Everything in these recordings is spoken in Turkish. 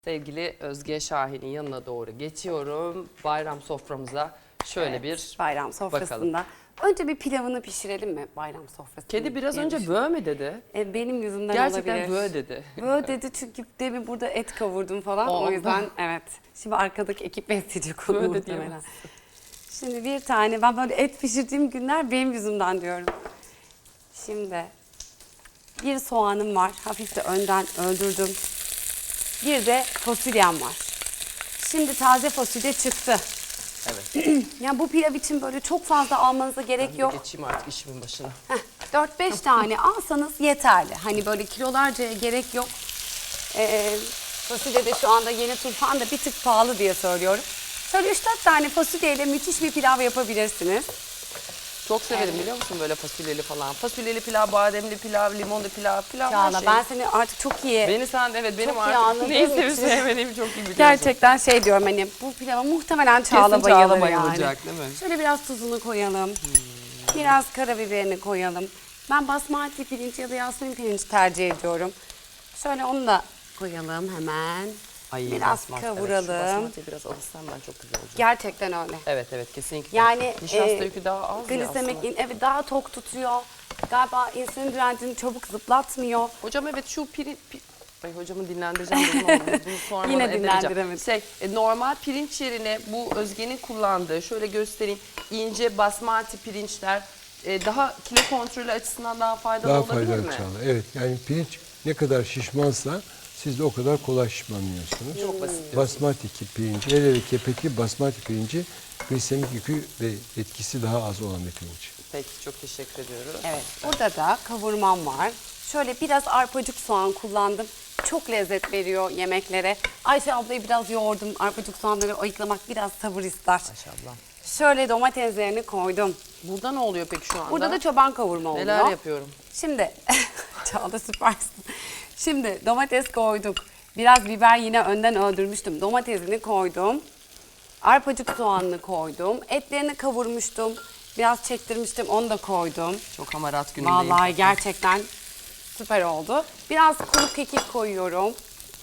Sevgili Özge Şahin'in yanına doğru geçiyorum. Bayram soframıza şöyle bir bayram sofrasında. bakalım. Önce bir pilavını pişirelim mi bayram sofrasında? Kedi biraz önce böğ mü dedi? Benim yüzümden Gerçekten olabilir. böğ dedi. Böğ dedi çünkü demin burada et kavurdum falan. O yüzden evet. Şimdi arkadaki ekip besleyecek onu muhtemelen. Şimdi bir tane ben böyle et pişirdiğim günler benim yüzümden diyorum. Şimdi bir soğanım var. Hafif de önden öldürdüm. Bir de fasulyem var. Şimdi taze fasulye çıktı. Evet. Yani bu pilav için böyle çok fazla almanıza gerek Ben de yok. geçeyim artık işimin başına. 4-5 tane alsanız yeterli. Hani böyle kilolarcaya gerek yok. Fasulye de şu anda yeni turfan da bir tık pahalı diye söylüyorum. Şöyle 3-4 tane fasulyeyle müthiş bir pilav yapabilirsiniz. Çok severim biliyor musun böyle fasulyeli falan. Fasulyeli pilav, bademli pilav, limonlu pilav, her Çağla şey. ben seni artık çok iyi... Beni sen evet benim çok iyi artık anladığım neyi sevip için. sevmediğimi çok iyi biliyorsun. Gerçekten şey diyorum hani bu pilava muhtemelen Çağla Kesin bayılır Çağla yani. bayılacak değil mi? Şöyle biraz tuzunu koyalım. Biraz karabiberini koyalım. Ben basmati pirinç ya da yasmin pirinç tercih ediyorum. Şöyle onu da koyalım hemen. Ay, biraz basmati, kavuralım. Evet, şu basmatiyi biraz alışsam ben çok güzel olacak. Gerçekten öyle. Evet evet kesinlikle. Yani nişasta yükü daha az ya glisemik aslında. evet daha tok tutuyor. Galiba insülin direncini çabuk zıplatmıyor. Hocam evet şu Ay hocamı dinlendireceğim dedim ama bunu sormadan Yine edemeyeceğim. dinlendiremedim. Normal pirinç yerine bu Özge'nin kullandığı şöyle göstereyim ince basmati pirinçler daha kilo kontrolü açısından daha faydalı Daha olabilir faydalı mi? Çağla. Evet yani pirinç ne kadar şişmansa siz de o kadar kolay şişmanlıyorsunuz. Çok basit diyorsun. Basmati pirinci, hele kepekli basmati pirinci glisemik yükü ve etkisi daha az olan bir pirinç. Peki çok teşekkür ediyoruz. Evet, burada da kavurmam var. Şöyle biraz arpacık soğan kullandım. Çok lezzet veriyor yemeklere. Ayşe ablayı biraz yoğurdum. Arpacık soğanları ayıklamak biraz sabır ister. Maşallah. Şöyle domateslerini koydum. Burada ne oluyor peki şu anda? Burada da çoban kavurma oluyor. neler yapıyorum? Şimdi, Çağla süpersin. Şimdi domates koyduk. Biraz biber yine önden öldürmüştüm. Domatesini koydum. Arpacık soğanını koydum. Etlerini kavurmuştum. Biraz çektirmiştim, onu da koydum. Çok hamarat günündeyim. Vallahi gerçekten süper oldu. Biraz kuru kekik koyuyorum.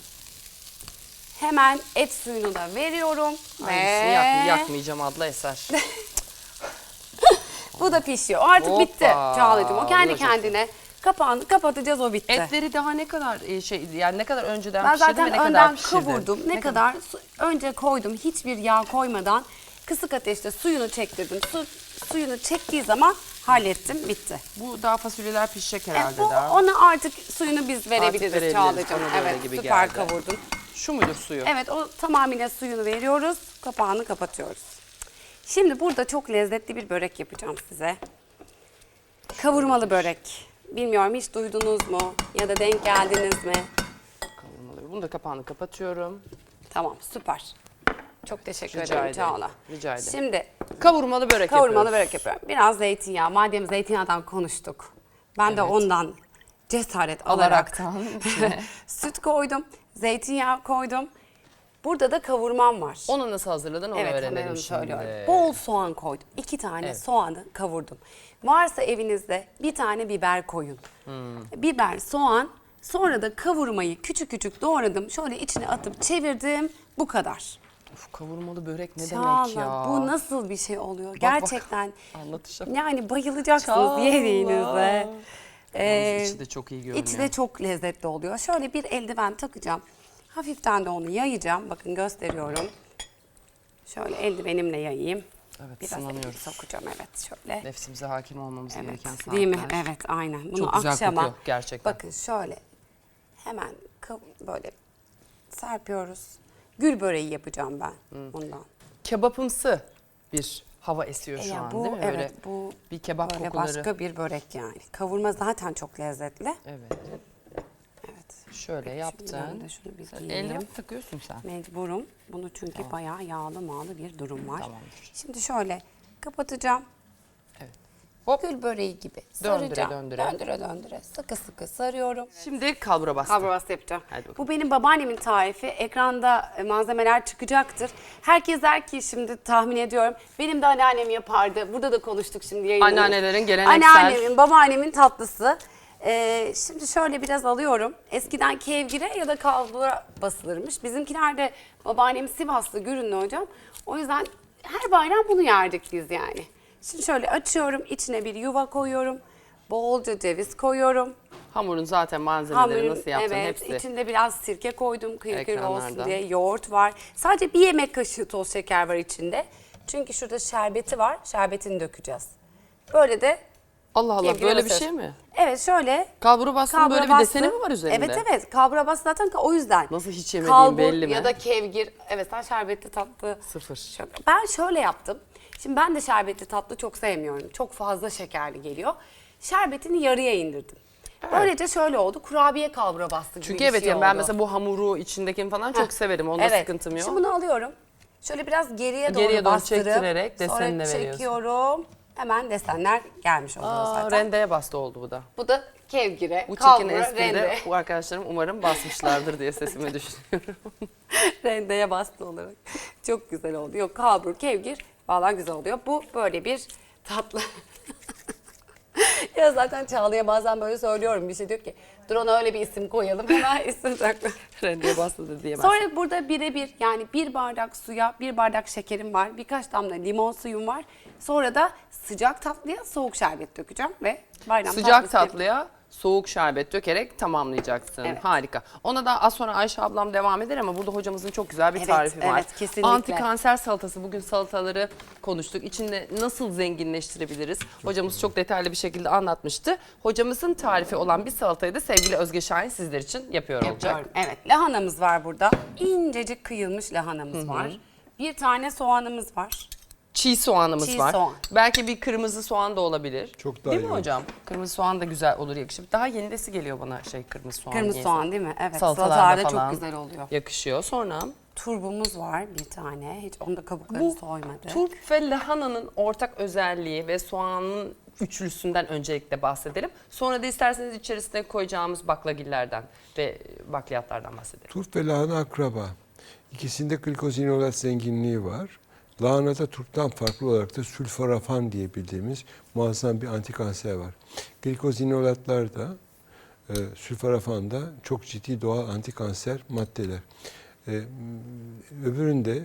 Hemen et suyunu da veriyorum. Aynısını yakmayacağım adla eser. Bu da pişiyor. O artık Hoppa. bitti Çağla'cığım. O kendi Bu da çok kendine kapağını kapatacağız, o bitti. Etleri daha ne kadar yani ne kadar önceden Ben pişirdin ve zaten ne kadar önden pişirdin? kavurdum. Ne kadar önce koydum, hiçbir yağ koymadan kısık ateşte suyunu çektirdim. Suyunu çektiği zaman hallettim, bitti. Bu daha fasulyeler pişecek herhalde Bu, daha. ona artık suyunu biz verebiliriz verebiliriz, Çağla'cığım. bana da öyle Evet, gibi süper geldi. kavurdun. Şu mudur suyu? Evet, o tamamıyla suyunu veriyoruz. Kapağını kapatıyoruz. Şimdi burada çok lezzetli bir börek yapacağım size. Kavurmalı börek. Bilmiyorum hiç duydunuz mu ya da denk geldiniz mi? Kavurmalı. Bunu da kapağını kapatıyorum. Tamam, süper. Çok teşekkür Rica ederim ederim, Çağla. rica ederim. Şimdi Kavurmalı börek kavurmalı yapıyoruz. börek yapıyorum. Biraz zeytinyağı. Madem zeytinyağından konuştuk. Ben de ondan cesaret alarak Alaraktan. süt koydum. Zeytinyağı koydum. Burada da kavurmam var. Onu nasıl hazırladın onu Evet, hemen öğrenelim onu şimdi. söylüyorum. Bol soğan koydum. 2 tane soğanı kavurdum. Varsa evinizde bir tane biber koyun. Biber, soğan, sonra da kavurmayı küçük küçük doğradım. Şöyle içine atıp çevirdim. Bu kadar. Of, kavurmalı börek ne Çağla, demek ya? bu nasıl bir şey oluyor? bak. Gerçekten Anlatacağım. yani bayılacaksınız Çağla. yediğinizde. Yalnız içi de çok iyi görünüyor. İçi de çok lezzetli oluyor. Şöyle bir eldiven takacağım. Hafiften de onu yayacağım. Bakın gösteriyorum. Şöyle eldivenimle yayayım. Evet, Biraz elimi sınanıyoruz. sokacağım, evet şöyle. Nefsimize hakim olmamız Evet, gereken saatler. değil mi? Evet, aynen. Bunu Çok güzel akşama, kokuyor gerçekten. bakın şöyle hemen böyle serpiyoruz. Gül böreği yapacağım ben bundan. Kebapımsı bir hava esiyor şu Ya an bu, değil mi? evet, Böyle bu bir kebap böyle kokuları. başka bir börek yani. Kavurma zaten çok lezzetli. Evet. Evet. Şöyle Ben yaptın. de şunu bir Sen giyeyim. eldiven takıyorsun sen. Mecburum. Bunu çünkü bayağı yağlı mağlı bir durum var. Tamamdır. Şimdi şöyle kapatacağım. Evet. Hop. Gül böreği gibi Döndüre, saracağım. döndüre. Döndüre döndüre. Sıkı sıkı sarıyorum. Şimdi kalbura bastı. Kavrulması yapacağım. Hadi bakalım. Bu benim babaannemin tarifi. Ekranda malzemeler çıkacaktır. Herkes der ki şimdi tahmin ediyorum. Benim de anneannem yapardı. Burada da konuştuk şimdi yayında. Anneannelerin geleneksel. Anneannemin, babaannemin tatlısı. Şimdi şöyle biraz alıyorum. Eskiden kevgire ya da kalbura basılırmış. Bizimkiler de babaannem Sivaslı, Gürünlü hocam. O yüzden her bayram bunu yerdik biz yani. Şimdi şöyle açıyorum. İçine bir yuva koyuyorum. Bolca ceviz koyuyorum. Hamurun zaten malzemeleri nasıl yaptın evet, hepsi. içinde biraz sirke koydum kıyır kıyır olsun Ekranlarda. diye. Yoğurt var. Sadece bir yemek kaşığı toz şeker var içinde. Çünkü şurada şerbeti var. Şerbetini dökeceğiz. Böyle de Allah Allah, kevgire böyle bir basıyoruz. şey mi? Evet, şöyle. Kalbura bastığın böyle bir bastı. deseni mi var üzerinde? Evet evet. Kalbura bastı zaten o yüzden. Nasıl hiç yemediğim Kalbur belli mi? ya da kevgir. Evet, sen şerbetli tatlı. Sıfır. Ben şöyle yaptım. Şimdi ben de şerbetli tatlı çok sevmiyorum. Çok fazla şekerli geliyor. Şerbetini yarıya indirdim. Böylece şöyle oldu. Kurabiye kalbura bastı gibi Çünkü bir evet şey yani ben oldu. mesela bu hamuru içindekini falan çok severim. Onda Evet. sıkıntım yok. Şimdi bunu alıyorum. Şöyle biraz geriye Geriye doğru bastırıp çektirerek desenine sonra veriyorsun. çekiyorum. Hemen desenler gelmiş oluyor zaten. Rendeye bastı oldu bu da. Bu da kevgire, Bu çirkin kalbura, espride rende. bu arkadaşlarım umarım basmışlardır diye sesime düşünüyorum. Rendeye bastı olarak. Çok güzel oldu. Yok, kalbur, kevgir valla güzel oluyor. Bu böyle bir tatlı. Ya zaten Çağla'ya bazen böyle söylüyorum, bir şey diyor ki dur ona öyle bir isim koyalım, hemen isim takma. Rendeye bastı da diyemezsin. Sonra burada birebir yani 1 bardak suya 1 bardak şekerim var, birkaç damla limon suyum var. Sonra da sıcak tatlıya soğuk şerbet dökeceğim ve bayram Sıcak tatlısı tatlıya soğuk şerbet dökerek tamamlayacaksın. Evet. Harika. Ona da az sonra Ayşe ablam devam eder ama burada hocamızın çok güzel bir Evet, tarifi var. evet, kesinlikle. Anti kanser salatası. Bugün salataları konuştuk. İçinde nasıl zenginleştirebiliriz? Hocamız çok detaylı bir şekilde anlatmıştı. Hocamızın tarifi olan bir salatayı da sevgili Özge Şahin sizler için yapıyor olacak. yapıyorum. Evet, lahanamız var burada. İncecik kıyılmış lahanamız var. Bir tane soğanımız var. Çiğ soğanımız Çiğ var. soğan. Belki bir kırmızı soğan da olabilir. Çok daha değil iyi mi olur. hocam? Kırmızı soğan da güzel olur, yakışır. Daha yenidesi geliyor bana kırmızı soğan. Kırmızı niyeyse. soğan değil mi? Evet, Salatalarda salatalarda falan çok güzel oluyor. yakışıyor. Sonra Turbumuz var bir tane. Hiç onda kabukları bu soymadı. turp ve lahananın ortak özelliği ve soğanın üçlüsünden öncelikle bahsedelim. Sonra da isterseniz içerisine koyacağımız baklagillerden ve bakliyatlardan bahsedelim. Turp ve lahana akraba. İkisinde glikozinolat zenginliği var. Lahanada turptan farklı olarak da sülforafan diye bildiğimiz muazzam bir antikanser var. Glikozinolatlar da sülforafan da çok ciddi doğal antikanser maddeler. Öbüründe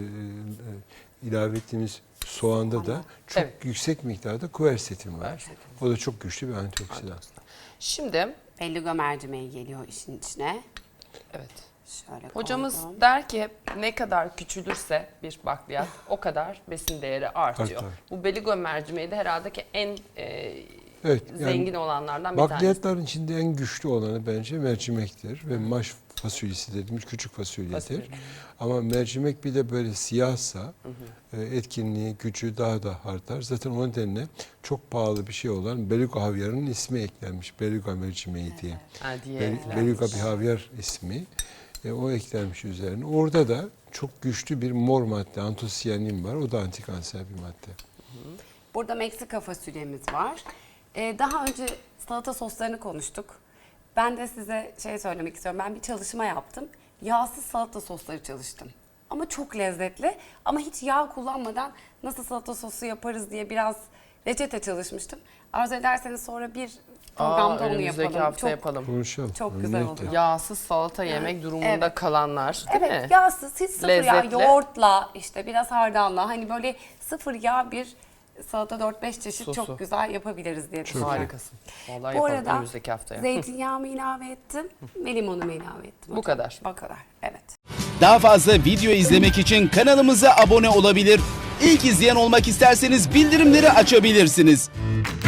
ilave ettiğimiz soğanda da çok Evet. yüksek miktarda kuersetin var. Kuersetin. O da çok güçlü bir antioksidan. Şimdi Belluga mercimeği geliyor işin içine. evet. Şöyle Hocamız koydum. der ki hep ne kadar küçülürse bir bakliyat o kadar besin değeri artıyor. Artar. Bu beligo mercimeği de herhalde ki en Evet, yani zengin olanlardan bir tanesi. bakliyatların içinde en güçlü olanı bence mercimektir ve maş fasulyesi dediğimiz küçük fasulyedir. Fasulye. Ama mercimek bir de böyle siyahsa etkinliği, gücü daha da artar. Zaten o nedenle çok pahalı bir şey olan beluga havyarının ismi eklenmiş. Beluga mercimeği diye. Ha, diye Beluga bir havyar ismi. O eklenmiş üzerine. Orada da çok güçlü bir mor madde, antosiyanin var. O da antikanser bir madde. Burada Meksika fasulyemiz var. Daha önce salata soslarını konuştuk. Ben de size şey söylemek istiyorum. Ben bir çalışma yaptım. Yağsız salata sosları çalıştım. Ama çok lezzetli. Ama hiç yağ kullanmadan nasıl salata sosu yaparız diye biraz reçete çalışmıştım. Arzu ederseniz sonra bir programda onu önümüzdeki yapalım. hafta Çok, yapalım. Konuşalım. Çok güzel memnuniyetle. oluyor. Yağsız salata yemek durumunda Evet. kalanlar değil mi? Evet, yağsız, hiç sıfır yağ, Lezzetli. yoğurtla işte biraz hardalla hani böyle sıfır yağ bir salata 4-5 çeşit Sosu. çok güzel yapabiliriz diye düşünüyorum. Harikasın. Vallahi Bu yapalım arada önümüzdeki haftaya. zeytinyağımı ilave ettim ve limonumu ilave ettim. Bu hocam. kadar. Bu kadar, evet. Daha fazla video izlemek için kanalımıza abone olabilir. İlk izleyen olmak isterseniz bildirimleri açabilirsiniz.